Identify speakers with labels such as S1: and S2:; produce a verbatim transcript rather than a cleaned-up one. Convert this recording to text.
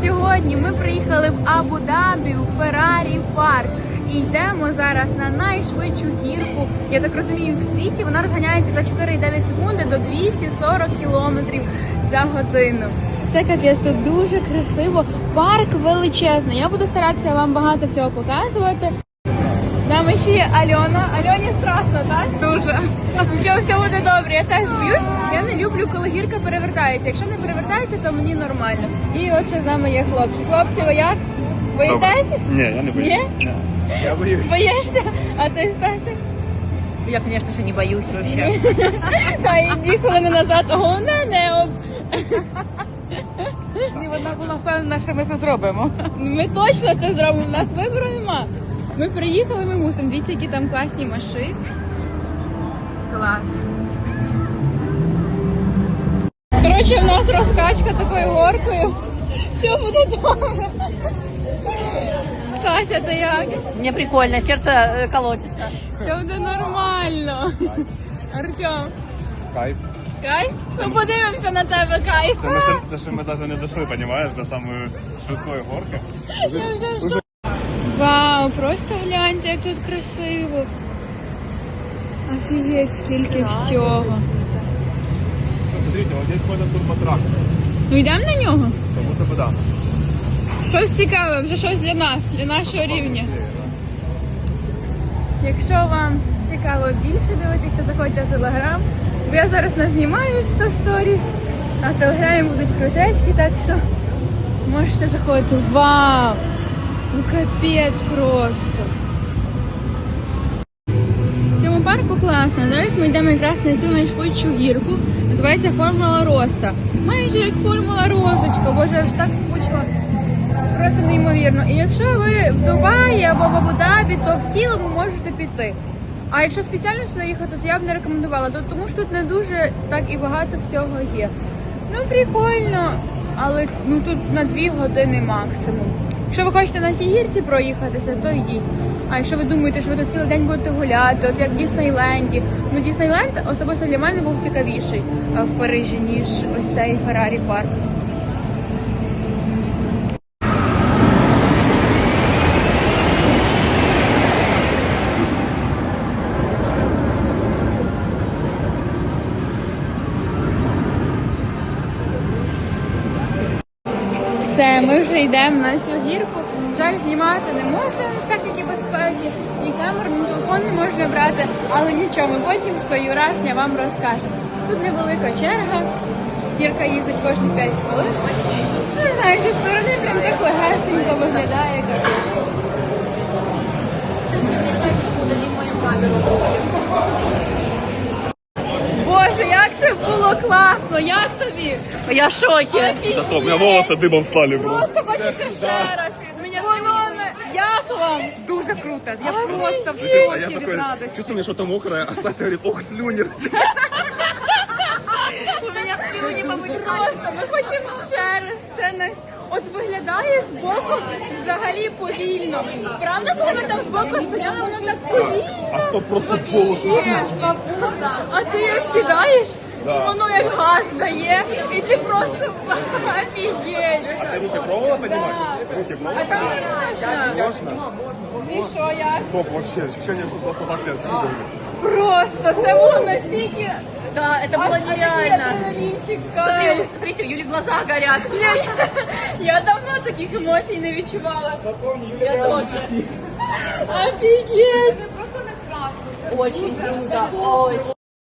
S1: Сьогодні ми приїхали в Абу-Дабі у Феррарі парк і йдемо зараз на найшвидшу гірку, я так розумію, в світі. Вона розганяється за чотири цілих дев'ять секунди до двісті сорок кілометрів за годину. Це капець, тут дуже красиво, парк величезний. Я буду старатися вам багато всього показувати. З нами ще є Альона. Альоні страшно, так? Дуже. Нічого, все буде добре. Я теж боюсь. Я не люблю, коли гірка перевертається. Якщо не перевертається, то мені нормально. І от ще з нами є хлопці. Хлопці, ви як? Боїтеся?
S2: Ні, я не боюсь.
S1: Ні?
S2: Ні. Я боюсь.
S1: Боїшся? А ти, Стася?
S3: Я, конечно же, не боюсь вообще.
S1: Та іди хвилину назад. Головне не об...
S3: І вона була впевнена, що ми це зробимо.
S1: Ми точно це зробимо. У нас вибору нема. Ми приїхали, ми мусимо. Дивіться, які там класні машини. Клас. Коротше, в нас розкачка такою горкою. Все буде добре. Стася, ти як?
S3: Мне прикольно, сердце э, колотится.
S1: Все буде нормально. Артем,
S2: Кайф.
S1: кайф? Ну подивимося на тебе, кайф.
S2: Це ми ще, це ще ми навіть не дійшли, розумієш, до самої швидкої горки.
S1: Вау, просто гляньте, як тут красиво. Офігеть, скільки всього.
S2: Смотрите, вот здесь ходить турботрак.
S1: Ну йдемо на нього?
S2: Как будто бы да.
S1: Щось цікаве, вже щось для нас, для нашого рівня. Якщо вам цікаво більше дивитися, то заходьте в Телеграм. Бо я зараз назнімаю сто сторіс, а в Телеграмі будуть кружечки, так що можете заходити. Вау! Ну капець просто! В цьому парку класно. Зараз ми йдемо якраз на цю найшвидшу гірку. Називається Формула Роса. Майже як Формула Розочка. Боже, я вже так скучила. Просто неймовірно. І якщо ви в Дубаї або в Абу-Дабі, то в цілому можете піти. А якщо спеціально сюди їхати, то я б не рекомендувала, тому що тут не дуже так і багато всього є. Ну, прикольно, але ну тут на дві години максимум. Якщо ви хочете на цій гірці проїхатися, то йдіть. А якщо ви думаєте, що ви тут цілий день будете гуляти, от як в Діснейленді. Ну, Діснейленд особисто для мене був цікавіший в Парижі, ніж ось цей Феррарі парк. Все, ми вже йдемо на цю гірку. Жаль, знімати не можна з техніки безпеки, ні камеру, ні телефон не можна брати, але нічого, ми потім свої враження вам розкажемо. Тут невелика черга, гірка їздить кожні п'ять хвилин. Ну, не знаю, зі сторони прям так легесенько виглядає. Боже, як це було класно! Як тобі?
S3: Я в шоке.
S2: Да то, у меня волосы дыбом стали.
S1: Просто хочете ще раз від мене. Як вам?
S3: Дуже круто. Я просто в
S2: А я
S3: шоке від
S2: такой,
S3: радости.
S2: чувствую, мне что-то мокрое, а Стася говорит, ох, слюни.
S3: У меня слюни повытекали.
S1: Просто ми хочемо ще раз все на... От виглядає збоку взагалі повільно. Правда, коли ми там збоку стояли, воно так повільно?
S2: А то просто волосы.
S1: Вообще. А ти як сідаєш,
S2: Да.
S1: і воно як газ дає, і ти просто офігеть.
S2: А ты руки пробовала поднимать? Руки
S1: А там
S2: пробовала?
S1: не можна.
S2: Можно?
S1: І що як?
S2: Топ вообще, ощущение, что просто так лет прыгали.
S1: Просто це було настільки...
S3: Да, это было нереально.
S1: Адреналінчик,
S3: Смотри,
S1: кайф.
S3: смотрите, у Юли глаза горят.
S1: Я, я давно таких емоцій не відчувала.
S3: Я тоже.
S1: Офігеть!
S3: Очень круто. Очень.